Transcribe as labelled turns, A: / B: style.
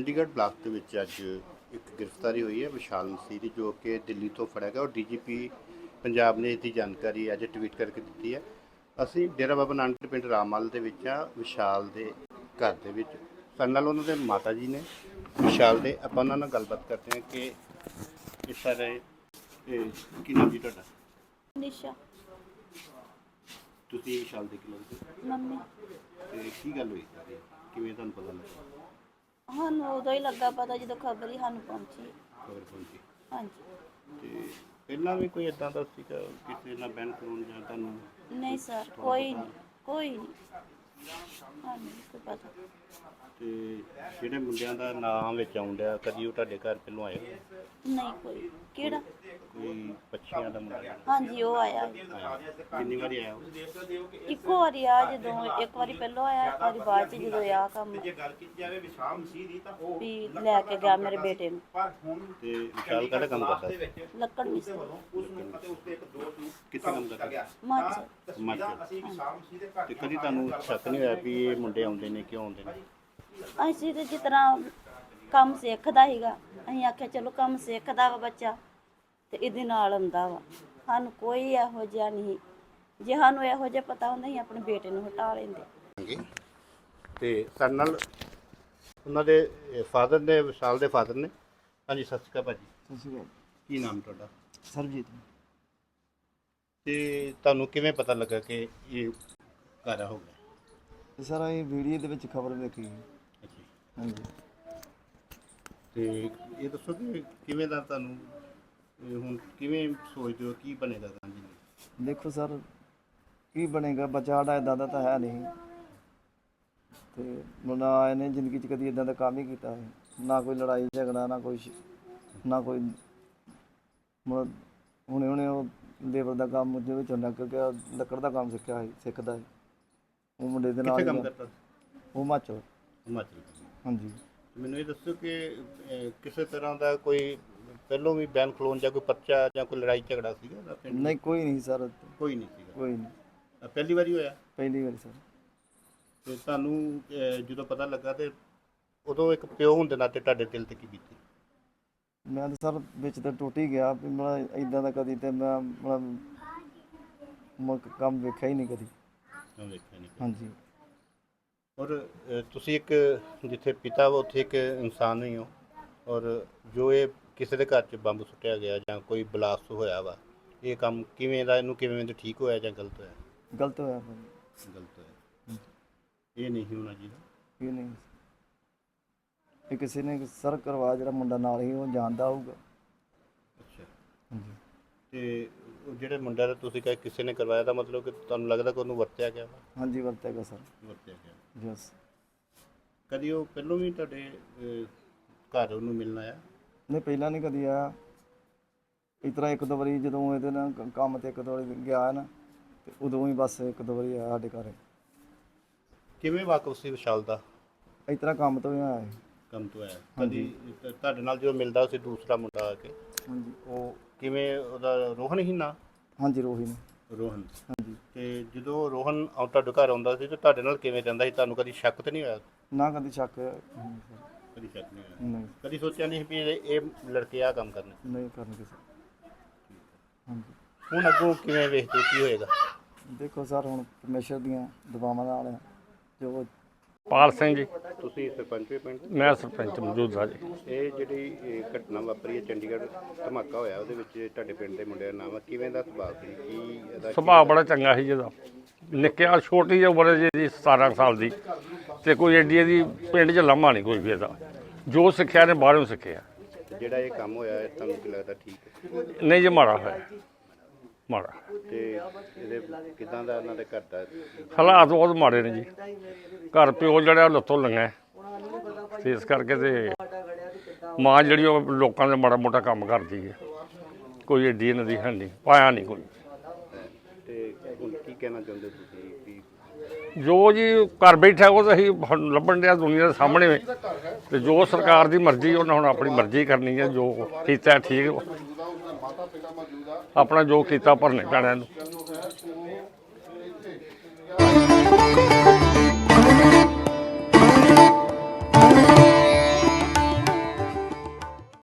A: Chandigarh block ਦੇ ਵਿੱਚ ਅੱਜ ਇੱਕ ਗ੍ਰਿਫਤਾਰੀ ਹੋਈ ਹੈ ਵਿਸ਼ਾਲ ਮਸੀਹ ਦੀ, ਜੋ ਕਿ ਦਿੱਲੀ ਤੋਂ ਫੜਿਆ ਗਿਆ। ਔਰ ਡੀਜੀਪੀ ਪੰਜਾਬ ਨੇ ਇਹਦੀ ਜਾਣਕਾਰੀ ਅੱਜ ਟਵੀਟ ਕਰਕੇ ਦਿੱਤੀ ਹੈ। ਅਸੀਂ ਡੇਰਾ ਬਾਬਾ ਨਾਨਕ ਪਿੰਡ ਰਾਮਮਲ ਦੇ ਵਿੱਚ ਆ, ਵਿਸ਼ਾਲ ਦੇ ਘਰ ਦੇ ਵਿੱਚ। ਸਾਡੇ ਨਾਲ ਉਹਨਾਂ ਦੇ ਮਾਤਾ ਜੀ ਨੇ ਵਿਸ਼ਾਲ ਦੇ। ਆਪਾਂ ਉਹਨਾਂ ਨਾਲ ਗੱਲਬਾਤ ਕਰਦੇ ਹਾਂ ਕਿ ਇਹ ਸਾਰੇ ਕੀ ਨਾਮ ਜੀ ਤੁਹਾਡਾ?
B: ਨਿਸ਼ਾ।
A: ਤੁਸੀਂ ਵਿਸ਼ਾਲ ਦੇ ਕੀ ਲੱਗਦੇ?
B: ਮੰਮੀ।
A: ਤੇ ਕੀ ਗੱਲ ਹੋਈ ਸਾਰੀ, ਕਿਵੇਂ ਤੁਹਾਨੂੰ ਪਤਾ ਲੱਗਾ?
B: ਸਾਨੂੰ ਉਦੋਂ ਹੀ ਲੱਗਾ ਪਤਾ ਜਦੋਂ ਖਬਰ ਹੀ ਸਾਨੂੰ ਪਹੁੰਚੀ।
A: ਖਬਰ ਪਹੁੰਚੀ।
B: ਹਾਂਜੀ।
A: ਤੇ ਪਹਿਲਾਂ ਵੀ ਕੋਈ ਇਦਾਂ ਦਾ ਸੀਗਾ ਕਿਸੇ ਨਾਲ ਬੈਨ ਕਰਾਉਣ ਜਾਂ ਤੁਹਾਨੂੰ?
B: ਨਹੀਂ ਸਰ, ਕੋਈ ਨਹੀਂ, ਕੋਈ ਨਹੀਂ, ਸਾਨੂੰ ਨਹੀਂ ਕੋਈ ਪਤਾ।
A: ਤੇ ਜਿਹੜੇ ਮੁੰਡਿਆਂ ਦਾ ਨਾਮ ਵਿੱਚ ਆਉਂਦਾ, ਕਦੀ ਉਹ ਤੁਹਾਡੇ ਘਰ ਪਹਿਲੋਂ ਆਏ?
B: ਨਹੀਂ ਕੋਈ। ਕਿਹੜਾ?
A: ਕੋਈ ਪੱਛੀਆਂ ਦਾ ਮੁੰਡਾ
B: ਹਾਂਜੀ, ਉਹ ਆਇਆ
A: ਆਇਆ। ਕਿੰਨੀ ਵਾਰੀ ਆਇਆ ਉਹ?
B: ਇੱਕੋ ਵਾਰੀ ਆ, ਜਦੋਂ ਇੱਕ ਵਾਰੀ ਪਹਿਲਾਂ ਆਇਆ, ਇੱਕ ਵਾਰੀ ਬਾਅਦ ਚ ਜਦੋਂ ਆ ਕੰਮ ਵੀ ਲੈ ਕੇ ਗਿਆ ਮੇਰੇ ਬੇਟੇ ਨੂੰ।
A: ਤੇ ਵਿਸ਼ਾਲ ਕਿਹੜਾ ਕੰਮ ਕਰਦਾ ਸੀ?
B: ਲੱਕੜ ਮਿਸਤਰੀ।
A: ਕਿੱਥੇ ਕੰਮ ਕਰਦਾ?
B: ਮਾਝੇ।
A: ਤੇ ਕਦੀ ਤੁਹਾਨੂੰ ਸ਼ੱਕ ਨਹੀਂ ਹੋਇਆ ਵੀ ਇਹ ਮੁੰਡੇ ਆਉਂਦੇ ਨੇ, ਕਿਉਂ ਆਉਂਦੇ ਨੇ?
B: ਅਸੀਂ ਤੇ ਜਿਸ ਤਰ੍ਹਾਂ ਕੰਮ ਸਿੱਖਦਾ ਸੀਗਾ, ਅਸੀਂ ਆਖਿਆ ਚਲੋ ਕੰਮ ਸਿੱਖਦਾ ਵਾ ਬੱਚਾ ਤੇ ਇਹਦੇ ਨਾਲ ਆਉਂਦਾ ਵਾ। ਸਾਨੂੰ ਕੋਈ ਇਹੋ ਜਿਹਾ ਨਹੀਂ, ਜੇ ਸਾਨੂੰ ਇਹੋ ਜਿਹਾ ਪਤਾ ਹੁੰਦਾ ਅਸੀਂ ਆਪਣੇ ਬੇਟੇ ਨੂੰ ਹਟਾ ਲੈਂਦੇ।
A: ਤੇ ਸਾਡੇ ਨਾਲ ਉਹਨਾਂ ਦੇ ਫਾਦਰ ਨੇ, ਵਿਸ਼ਾਲ ਦੇ ਫਾਦਰ ਨੇ। ਹਾਂਜੀ, ਸਤਿ ਸ਼੍ਰੀ ਅਕਾਲ ਭਾਜੀ।
C: ਸਤਿ ਸ਼੍ਰੀ ਅਕਾਲ।
A: ਕੀ ਨਾਮ ਤੁਹਾਡਾ?
C: ਸਰਬਜੀਤ।
A: ਤੇ ਤੁਹਾਨੂੰ ਕਿਵੇਂ ਪਤਾ ਲੱਗਾ ਕਿ ਇਹ ਘਰ ਹੋ ਗਿਆ?
C: ਇਹ ਸਾਰਾ ਇਹ ਵੀਡੀਓ ਦੇ ਵਿੱਚ ਖਬਰ ਵੇਖੀ।
A: ਅੱਛਾ।
C: ਹਾਂਜੀ।
A: ਤੇ ਇਹ ਦੱਸੋ ਕਿ ਕਿਵੇਂ ਦਾ ਤੁਹਾਨੂੰ ਹੁਣ ਕਿਵੇਂ ਸੋਚਦੇ ਹੋ ਕੀ ਬਣੇਗਾ ਗਾਂ ਜੀ?
C: ਦੇਖੋ ਸਰ, ਕੀ ਬਣੇਗਾ, ਬੱਚਾ ਸਾਡਾ ਇੱਦਾਂ ਦਾ ਤਾਂ ਹੈ ਨਹੀਂ। ਤੇ ਮੁੰਡਾ ਇਹਨੇ ਜ਼ਿੰਦਗੀ 'ਚ ਕਦੀ ਇੱਦਾਂ ਦਾ ਕੰਮ ਹੀ ਕੀਤਾ ਹੈ, ਨਾ ਕੋਈ ਲੜਾਈ ਝਗੜਾ, ਨਾ ਕੋਈ ਹੁਣੇ ਉਹ ਲੇਬਰ ਦਾ ਕੰਮ ਦੇ ਵਿੱਚ ਹੁੰਦਾ, ਕਿਉਂਕਿ ਲੱਕੜ ਦਾ ਕੰਮ ਸਿੱਖਦਾ ਹੈ ਉਹ ਮੁੰਡੇ ਦੇ ਨਾਲ।
A: ਕੰਮ ਕਰਦਾ?
C: ਉਹ ਹਿਮਾਚਲ। ਹਾਂਜੀ।
A: ਮੈਨੂੰ ਇਹ ਦੱਸੋ ਕਿ ਕਿਸੇ ਤਰ੍ਹਾਂ ਦਾ ਕੋਈ ਪਹਿਲੋਂ ਵੀ ਬੈਨ ਖਲੋਣ ਜਾਂ ਕੋਈ ਪਰਚਾ ਜਾਂ ਕੋਈ ਲੜਾਈ ਝਗੜਾ ਸੀਗਾ?
C: ਨਹੀਂ, ਕੋਈ ਨਹੀਂ ਸਰ।
A: ਕੋਈ ਨਹੀਂ ਸੀਗਾ?
C: ਕੋਈ ਨਹੀਂ।
A: ਪਹਿਲੀ ਵਾਰੀ ਹੋਇਆ?
C: ਪਹਿਲੀ ਵਾਰੀ ਸਰ।
A: ਤੇ ਤੁਹਾਨੂੰ ਜਦੋਂ ਪਤਾ ਲੱਗਾ ਤੇ ਉਦੋਂ ਇੱਕ ਪਿਓ ਹੋਣ ਦੇ ਨਾਤੇ ਤੁਹਾਡੇ ਦਿਲ ਤੇ ਕੀ ਬੀਤੀ?
C: ਮੈਂ ਤਾਂ ਸਰ ਵਿੱਚ ਤਾਂ ਟੁੱਟ ਹੀ ਗਿਆ ਵੀ ਮੈਂ ਇੱਦਾਂ ਦਾ ਕਦੀ ਤੇ ਮੈਂ ਕੰਮ ਵੇਖਿਆ ਹੀ ਨਹੀਂ ਕਦੀ।
A: ਵੇਖਿਆ ਨਹੀਂ।
C: ਹਾਂਜੀ।
A: ਔਰ ਤੁਸੀਂ ਇੱਕ ਜਿੱਥੇ ਪਿਤਾ ਵਾ ਉੱਥੇ ਇੱਕ ਇਨਸਾਨ ਹੀ ਹੋ। ਔਰ ਜੋ ਇਹ ਕਿਸੇ ਦੇ ਘਰ 'ਚ ਬੰਬ ਸੁੱਟਿਆ ਗਿਆ ਜਾਂ ਕੋਈ ਬਲਾਸਟ ਹੋਇਆ ਵਾ, ਇਹ ਕੰਮ ਕਿਵੇਂ ਦਾ, ਇਹਨੂੰ ਕਿਵੇਂ ਦਾ ਠੀਕ ਹੋਇਆ ਜਾਂ ਗਲਤ ਹੋਇਆ?
C: ਗਲਤ ਹੋਇਆ।
A: ਗਲਤ ਹੋਇਆ। ਇਹ ਨਹੀਂ ਹੋਣਾ ਚਾਹੀਦਾ।
C: ਇਹ ਨਹੀਂ, ਇਹ ਕਿਸੇ ਨੇ ਸਰ ਕਰਵਾ, ਜਿਹੜਾ ਮੁੰਡਾ ਨਾਲ ਹੀ ਉਹ ਜਾਣਦਾ ਹੋਊਗਾ।
A: ਅੱਛਾ।
C: ਹਾਂਜੀ।
A: ਤੇ ਉਹ ਜਿਹੜੇ ਮੁੰਡਾ ਦਾ ਤੁਸੀਂ ਕਹੇ ਕਿਸੇ ਨੇ ਕਰਵਾਇਆ, ਦਾ ਮਤਲਬ ਕਿ ਤੁਹਾਨੂੰ ਲੱਗਦਾ ਕਿ ਉਹਨੂੰ ਵਰਤਿਆ ਗਿਆ ਵਾ?
C: ਹਾਂਜੀ, ਵਰਤਿਆ ਗਿਆ ਸਰ।
A: ਵਰਤਿਆ ਗਿਆ।
C: ਯਸ।
A: ਕਦੀ ਉਹ ਪਹਿਲੋਂ ਵੀ ਤੁਹਾਡੇ ਘਰ ਉਹਨੂੰ ਮਿਲਣ ਆਇਆ?
C: ਨਹੀਂ, ਪਹਿਲਾਂ ਨਹੀਂ ਕਦੀ ਆਇਆ। ਇਸ ਤਰ੍ਹਾਂ ਇੱਕ ਦੋ ਵਾਰੀ ਜਦੋਂ ਇਹਦੇ ਨਾਲ ਕੰਮ ਤੇ ਇੱਕ ਦੋ ਵਾਰੀ ਗਿਆ ਨਾ, ਤੇ ਉਦੋਂ ਹੀ ਬਸ ਇੱਕ ਦੋ ਵਾਰੀ ਆਇਆ ਸਾਡੇ ਘਰ।
A: ਕਿਵੇਂ ਵਾਕਫ ਸੀ ਵਿਸ਼ਾਲ ਦਾ?
C: ਇਸ ਤਰ੍ਹਾਂ ਕੰਮ ਤੋਂ ਹੀ ਆਇਆ ਸੀ।
A: ਕੰਮ ਤੋਂ ਆਇਆ? ਕਦੀ ਤੁਹਾਡੇ ਨਾਲ ਜਦੋਂ ਮਿਲਦਾ ਸੀ ਦੂਸਰਾ ਮੁੰਡਾ ਆ ਕੇ?
C: ਹਾਂਜੀ।
A: ਉਹ ਕਿਵੇਂ, ਉਹਦਾ ਰੋਹਨ ਹੀ ਨਾ?
C: ਹਾਂਜੀ, ਰੋਹੀ ਨੇ।
A: ਰੋਹਨ।
C: ਹਾਂਜੀ।
A: ਤੇ ਜਦੋਂ ਰੋਹਨ ਤੁਹਾਡੇ ਘਰ ਆਉਂਦਾ ਸੀ ਤੇ ਤੁਹਾਡੇ ਨਾਲ ਕਿਵੇਂ ਰਹਿੰਦਾ ਸੀ? ਤੁਹਾਨੂੰ ਕਦੀ ਸ਼ੱਕ ਤਾਂ ਨਹੀਂ ਹੋਇਆ?
C: ਨਾ ਕਦੀ ਸ਼ੱਕ
A: ਕਦੀ ਸ਼ੱਕ ਨਹੀਂ ਹੋਇਆ?
C: ਨਹੀਂ।
A: ਕਦੀ ਸੋਚਿਆ ਨਹੀਂ ਵੀ ਇਹ ਲੜਕੇ ਆ ਕੰਮ ਕਰਨੇ?
C: ਨਹੀਂ ਕਰਨਗੇ ਸਰ। ਹਾਂਜੀ।
A: ਹੁਣ ਅੱਗੋਂ ਕਿਵੇਂ ਵੇਖਦੇ ਕੀ ਹੋਏਗਾ?
C: ਦੇਖੋ ਸਰ, ਹੁਣ ਪਰਮੇਸ਼ਰ ਦੀਆਂ ਦੁਆਵਾਂ ਨਾਲ ਆ, ਜੋ
D: ਪਾਲ ਸਿੰਘ ਜੀ।
A: ਤੁਸੀਂ ਸਰਪੰਚ ਵੀ ਪਿੰਡ?
D: ਮੈਂ ਸਰਪੰਚ ਮੌਜੂਦਾ ਜੀ।
A: ਇਹ ਜਿਹੜੀ ਘਟਨਾ ਵਾਪਰੀ ਹੈ ਚੰਡੀਗੜ੍ਹ, ਧਮਾਕਾ ਹੋਇਆ, ਉਹਦੇ ਵਿੱਚ ਤੁਹਾਡੇ ਪਿੰਡ ਦੇ ਮੁੰਡਿਆਂ ਦਾ ਨਾਮ ਹੈ, ਕਿਵੇਂ ਦਾ ਸੁਭਾਅ ਸੀ? ਕੀ ਇਹਦਾ
D: ਸੁਭਾਅ ਬੜਾ ਚੰਗਾ ਸੀ ਜਿਹਦਾ। ਨਿੱਕਿਆ ਛੋਟੀ ਜਿਹੀ ਉਮਰ ਜਿਹੀ 17 ਸਾਲ ਦੀ, ਤੇ ਕੋਈ ਐਡੀ ਇਹਦੀ ਪਿੰਡ 'ਚ ਲਾਮਾ ਨਹੀਂ ਕੋਈ ਵੀ ਇਹਦਾ। ਜੋ ਸਿੱਖਿਆ ਨੇ ਬਾਹਰੋਂ ਸਿੱਖਿਆ।
A: ਜਿਹੜਾ ਇਹ ਕੰਮ ਹੋਇਆ ਤੁਹਾਨੂੰ ਕੀ ਲੱਗਦਾ ਠੀਕ ਹੈ?
D: ਨਹੀਂ ਜੀ, ਮਾੜਾ ਹੋਇਆ, ਮਾੜਾ।
A: ਤੇ ਇਹਦੇ ਕਿੱਦਾਂ ਦਾ ਉਹਨਾਂ ਦੇ ਘਰ ਦਾ
D: ਹਾਲਾਤ ਬਹੁਤ ਮਾੜੇ ਨੇ ਜੀ। ਘਰ ਪਿਓ ਜਿਹੜਾ ਲੱਤੋਂ ਲੰਘਾ, ਤੇ ਇਸ ਕਰਕੇ ਤੇ ਮਾਂ ਜਿਹੜੀ ਉਹ ਲੋਕਾਂ ਦੇ ਮਾੜਾ ਮੋਟਾ ਕੰਮ ਕਰਦੀ ਹੈ। ਕੋਈ ਐਡੀ ਇਹਨਾਂ ਦੀ ਹੈ ਨਹੀਂ, ਪਾਇਆ ਨਹੀਂ ਕੋਈ।
A: ਤੇ ਹੁਣ ਕੀ ਕਹਿਣਾ ਚਾਹੁੰਦੇ ਤੁਸੀਂ ਵੀ?
D: ਜੋ ਜੀ ਘਰ ਬੈਠਾ ਉਹ ਤਾਂ ਅਸੀਂ ਲੱਭਣ ਡਿਆ ਦੁਨੀਆ ਦੇ ਸਾਹਮਣੇ, ਤੇ ਜੋ ਸਰਕਾਰ ਦੀ ਮਰਜ਼ੀ, ਉਹਨਾਂ ਹੁਣ ਆਪਣੀ ਮਰਜ਼ੀ ਕਰਨੀ ਹੈ। ਜੋ ਕੀਤਾ ਠੀਕ, ਆਪਣਾ ਜੋ ਕੀਤਾ ਭਰਨੇ ਪੈਣਾ ਇਹਨੂੰ।